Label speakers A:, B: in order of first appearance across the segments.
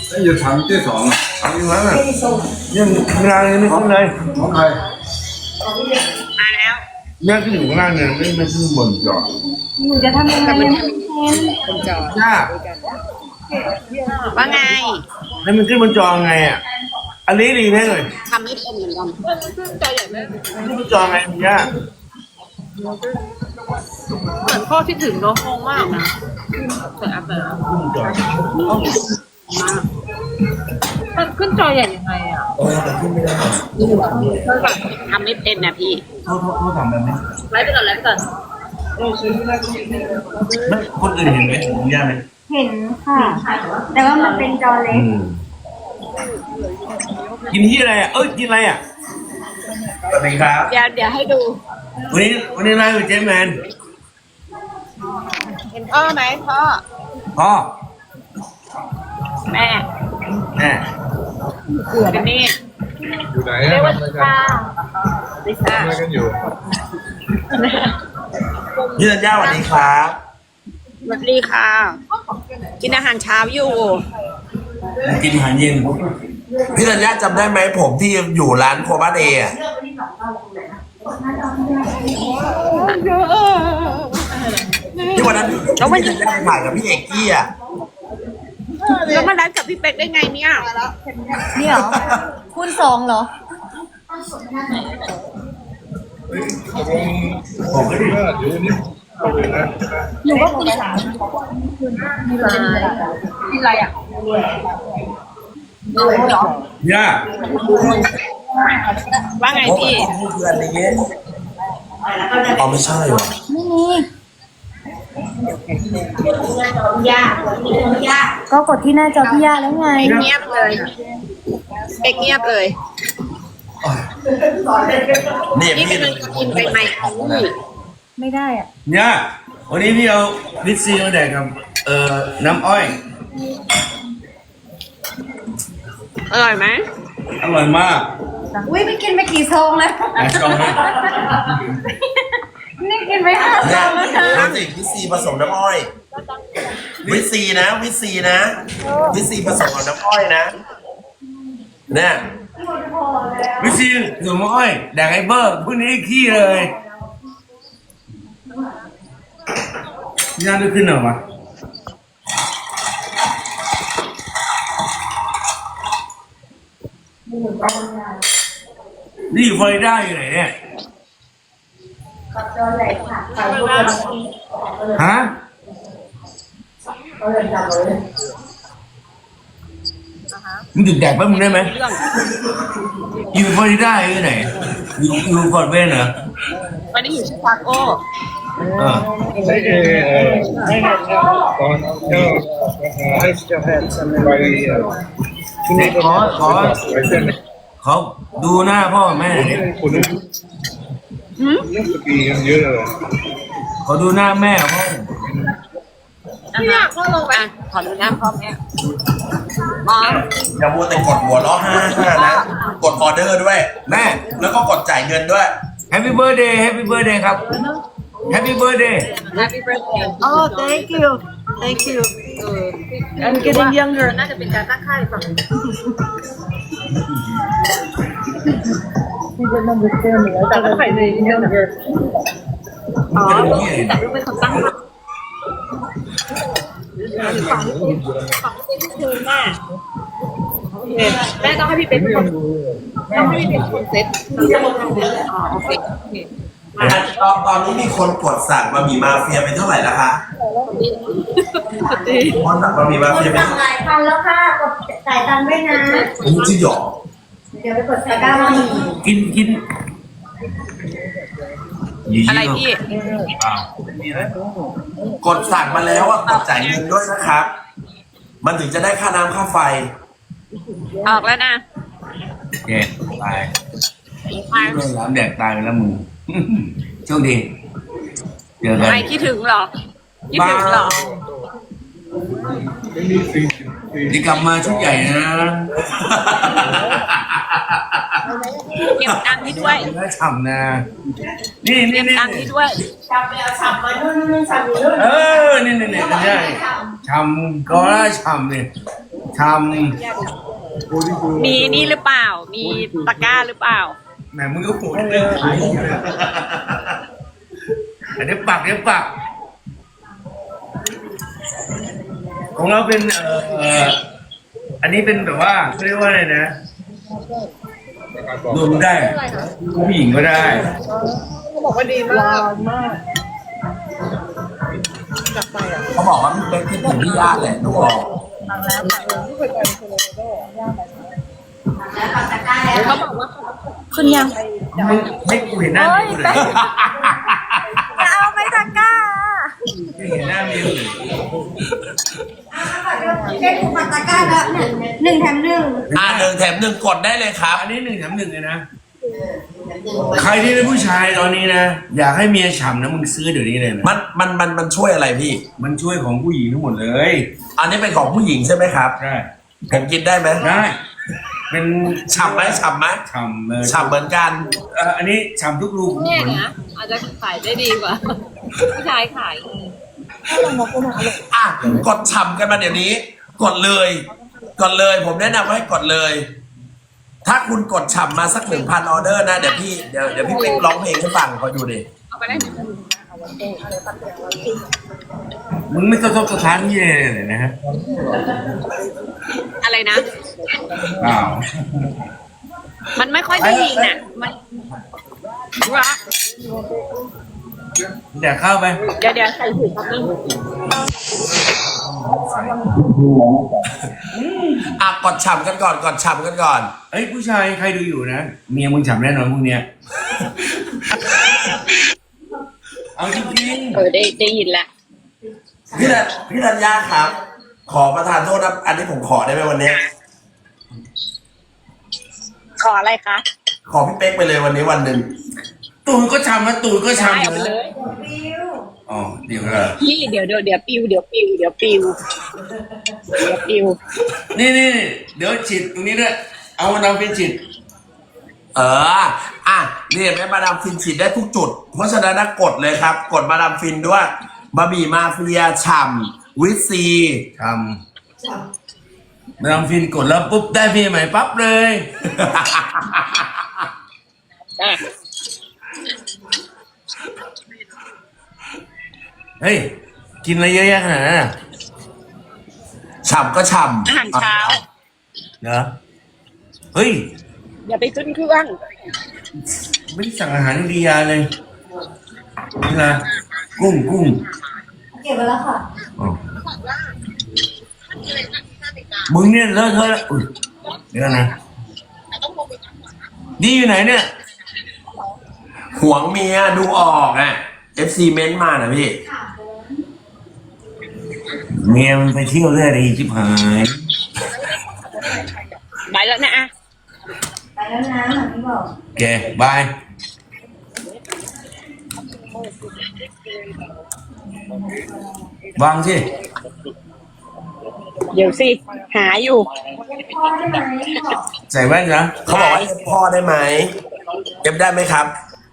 A: แล้วอยู่ถังที่สองอ่ะ
B: ทำอย่างนั้นอ่ะยังเวลายังไม่ขึ้นเลย
A: ของใคร
C: มาแล้ว
B: แม่ขึ้นอยู่ข้างล่างเนี่ยไม่ขึ้นบนจอด
D: หนูจะทำยังไงเนี่ย
C: บนจอย
B: าก
C: ว่าไง
B: ให้มันขึ้นบนจอไงอ่ะอันนี้ดีแน่เลย
C: ทำไม่เป็นเหมือนกันจอยใหญ่มาก
B: ขึ้นบนจอไงมันยาก
C: เหมือนพ่อที่ถึงเนาะงงมากนะแต่อัพเลย
B: ขึ้นบนจอ
C: มันขึ้นจอใหญ่ยังไงอ่ะ
B: แต่ขึ้นไม่ได้
C: ทำไม่เป็นนะพี่
B: เขาทำแบบนี้
C: ไลฟ์ไปก่อนไลฟ์ไปก่อน
B: ไม่คนอื่นเห็นไหมผมยากไหม
D: เห็นค่ะ แต่ว่ามันเป็นจอเล็ก
B: กินที่อะไรอ่ะกินอะไรอ่ะสวัสดีครับ
C: เดี๋ยวให้ดู
B: วันนี้ไลฟ์กับเจมแมน
C: เห็นพ่อไหมพ่อ
B: พ่อ
C: แม่
B: แม่
C: เป็นนี่
A: อยู่ไหน
C: เรียกว่า
A: ทำอะไร
C: ลิ
A: กัน
C: ซ่าลิซ่า
A: ทำอะไรกันอยู่
B: พี่ธัญญาสวัสดีครับ
C: สวัสดีค่ะ กินอาหารเช้าอยู่
B: กินอาหารเย็น
E: พี่ธัญญาจำได้ไหมผมที่อยู่ร้านโคบ้านเออะที่วันนั้นพี่ธัญญาถ่ายกับพี่เอกกี้อ่ะ
C: แล้วมาไลฟ์กับพี่เป็กได้ไงเนี่ย
D: นี่เหรอคูณสองเหรอ
A: ผมไม่ได้ว่าเดี๋ยวนี้เอาเลยนะ
D: หนูก็คูณสาม
C: กินอะไรอ่ะ
B: ย่า
C: ว่าไง
E: โอ้
C: พี่
E: นี่คืออันนี้อ๋อไม่ใช่หรอ
D: ไม่มีก็กดที่หน้าจอพี่ย่าแล้วไง
C: เงียบเลยเป็กเงียบเลย
E: เนี่ย
C: นี่
E: พี่
C: กำลังจะกินไปไหมพี่
D: ไม่ได้อ่ะ
B: ย่าวันนี้พี่เอาลิซซี่มาแดกกับน้ำอ้อย
C: อร่อยไหม
B: อร่อยมาก
D: อุ้ยไปกินไปกี่ซองแล้ว
B: ไหนลองไหม
D: นี่กินไปห้าซ
E: เนี่
D: อย งแล้วนะ
E: ดูสิวิตซีผสมน้ำอ้อยวิตซีนะวิตซีนะวิตซีผสมกับน้ำอ้อยนะเนี่ย
B: ลิซซี่หนูอ้อยแดกไอ้เบิร์พวกนี้ขี้เลยย่าได้ขึ้นเหรอวะนี่อยู่ฟลอริดาอยู่ไหนเนี่ยฮะมึงหยุดแดกแป๊บมึงได้ไหมอยู่ฟลอริดาอยู่ไหนอยู่ฟอร์ดเวนเหรอ
C: วันนี้อยู่ชิคาโก
A: ไม่ตอนเจ้าไป
B: ไหนขอ
A: ไปเส้น
B: เขาดูหน้าพ่อกับแม่ดิ
A: คุณนี่สกีกันเยอะเลย
B: ขอดูหน้าแม่พ่อ
C: นะคะพ่อลงไปขอดูน้ำพ่อแม่มอง
E: อย่ามัวแต่กดหัวล้อห้านะกดออเดอร์ด้วย
B: แม่
E: แล้วก็กดจ่ายเงินด้วย
B: Happy birthday Happy birthday ครับ Happy birthday
C: Happy birthday Oh thank you thank you I'm getting younger น่าจะเป็นการตั้งค่ายฝั่งแต่ก็ใส่ใน younger อ๋อแต่ก็เป็นคนตั้งค่ายฝั่งนี้เป็นคือแม่แม่ต้องให้พี่เป็นคนต้องให้พี่เป็นคนเซ็ตอ๋อโอเค
E: ตอนนี้มีคนกดสั่งบะหมี่มาเฟียไปเท่าไหร่แล้วคะคนสั่งบะหมี่มาเฟียไป
D: สั่งหลายพันแล้วค่ะ กดจ่ายตังค์ด้วยนะ
E: ผมจริงหรอ
D: เดี๋ยวไปกดใส่ก้าวมาอีก
B: กิน
C: อะไรพี่
E: กดสั่งมาแล้วอ่ะกดจ่ายเงินด้วยนะครับ มันถึงจะได้ค่าน้ำค่าไฟ
C: ออกแล้วนะ
B: แกตายโดนน้ำแดกตายไปแล้วมึงโชคดีเจอกัน
C: ไม่คิดถึงเหรอ คิดถึงเหรอ
A: ไม่มีสี่
B: นี่กลับมาชุดใหญ่นะ
C: เก็บตังค์ให้ด้วย
B: น่าฉ่ำนะนี่
C: เก็บตังค์ให้ด้วย
B: นี่กันได้ฉ่ำก็ได้ฉ่ำเนี่ยท
C: มีนี่หรือเปล่า มีตะกร้าหรือเปล่า
B: ำแหมมึงก็ปวดเรื่องขายอยู่เลยอันนี้ปักของเราเป็นอันนี้เป็นแบบว่าเขาเรียกว่าอะไรนะรวมได้ผู้หญิงก็ได้
C: เขาบอกว่าดีมาก
E: เขาบอกว่าพี่เป๊กคิดถึงพี่ย่าแหละดูออก
C: เขาบอกว่าคุณยัง
B: มึงไม่กูเห็นหน้ามึงเลย
D: จะเอาไปตะกร้า
B: ไม่เห็นหน้ามึงเลย
D: เด็กปัดตะกร้าแล้วหนึ่งแถมหนึ่ง
E: 1 แถม 1กดได้เลยครับ
B: อันนี้1 แถม 1เลยนะ ใครที่เป็นผู้ชายตอนนี้นะอยากให้เมียฉ่ำนะมึงซื้อเดี๋ยวนี้เลยนะ
E: มันช่วยอะไรพี่
B: มันช่วยของผู้หญิงทั้งหมดเลย
E: อันนี้เป็นของผู้หญิงใช่ไหมครับ
B: ใช่
E: ผมกินได้ไหม
B: ได้เป็น
E: ฉ่ำไหม
B: ฉ่ำเลย
E: ฉ่ำเหมือนกัน
B: อันนี้ฉ่ำทุกรูขุม
C: เนี่ย
B: ขน
C: นะอาจจะขายได้ดีกว่าผู้ชายขาย
E: อ่ะกดฉ่ำกันมาเดี๋ยวนี้ กดเลย ผมแนะนำให้กดเลย ถ้าคุณกดฉ่ำมาสัก 1,000 ออเดอร์นะเดี๋ยวพี่เป๊กร้องเพลงให้ฟังคอยดูดิ
C: เอาไปได้ไหม
B: มึงไม่กระทบกระทั่งยี่เลยนะฮะ
C: อะไรนะ
B: อ้าว
C: มันไม่ค่อยได้ยินน่ะมันว่า
B: แดกข้าวไป
C: เดี๋ยวใส่ถุงแป๊บนึง
E: อ่ะกดฉ่ำกันก่อน
B: เอ้ยผู้ชายใครดูอยู่นะเมียมึงฉ่ำแน่นอนพวกเนี้ยเอาจริง
C: ได้ยินแล้ว
E: พี่ธัญญาครับ ขอประทานโทษนะอันนี้ผมขอได้ไหมวันนี้
C: ขออะไรคะ
E: ขอพี่เป๊กไปเลยวันนี้วันหนึ่ง
B: ๆตูดก็ฉ่ำนะตูดก็ฉ่ำ
C: ได้เอาไปเลย
B: อ๋อเดี๋ยวก็
C: พี่เดี๋ยวปิว
B: นี่เดี๋ยวฉีดตรงนี้ด้วยเอามาทำเป็นฉีด
E: อ่ะนี่แม่มาดามฟินฉีดได้ทุกจุด เพราะฉะนั้นนะกดเลยครับ กดมาดามฟินด้วยบะหมี่มาเฟียฉ่ำวิตซี
B: ทำมาทำฟินกดแล้วปุ๊บได้เมียใหม่ปั๊บเลย เฮ้ยกินอะไรเยอะแยะขนาดนั้นน่ะ
E: ฉ่ำก็ฉ่ำ
C: อาหารเช้า
B: เหรอเฮ้ย
C: อย่าไปขึ้นเครื่อง
B: ไม่ได้สั่งอาหารอินเดียเลยนี่นะกุ้ง
D: เก็บไว้แล้วค่ะ
B: อ๋อมึงเนี่ยเลอะเทอะแล้วอุ๊ยเดี๋ยวนะดีอยู่ไหนเนี่ย
E: หวงเมียดูออกอ่ะ FC เม้นต์มานะพี่
B: เมียมันไปเที่ยวได้ดีชิบหาย
C: ไปแล้วนะอ่ะ
D: ไปแล้วนะเหมือนที่บอก
B: โอเคบาย วางสิ
C: เดี๋ยวสิหาอยู่
D: พ่อได้ไหมบอก
B: ใส่แว่นนะ
E: เขาบอกว่าเอฟพ่อได้ไหมเอฟได้ไหมครับ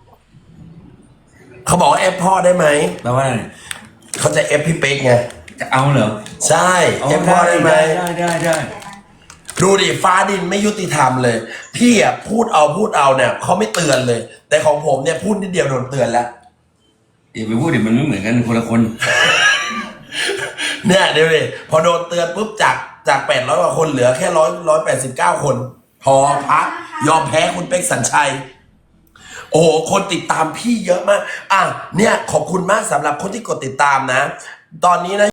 E: เขาบอกว่าเอฟพ่อได้ไหม
B: แปลว่าอะไร
E: เขาจะเอฟพี่เป๊กไง
B: จะเอาเหรอ
E: ใช่เอฟพ่อได้ไหม
B: ได้
E: ดูดิฟ้าดินไม่ยุติธรรมเลย พี่อ่ะพูดเอาเนี่ยเขาไม่เตือนเลย แต่ของผมเนี่ยพูดนิดเดียวโดนเตือนแล้ว
B: อย่าไปพูดดิมันไม่เหมือนกันคนละคน
E: เนี่ยเดี๋ยวดิพอโดนเตือนปุ๊บจาก800 กว่าคนเหลือแค่189 คนพอพักยอมแพ้คุณเป๊กสัญชัย โอ้โหคนติดตามพี่เยอะมากอ่ะเนี่ยขอบคุณมากสำหรับคนที่กดติดตามนะ ตอนนี้นะ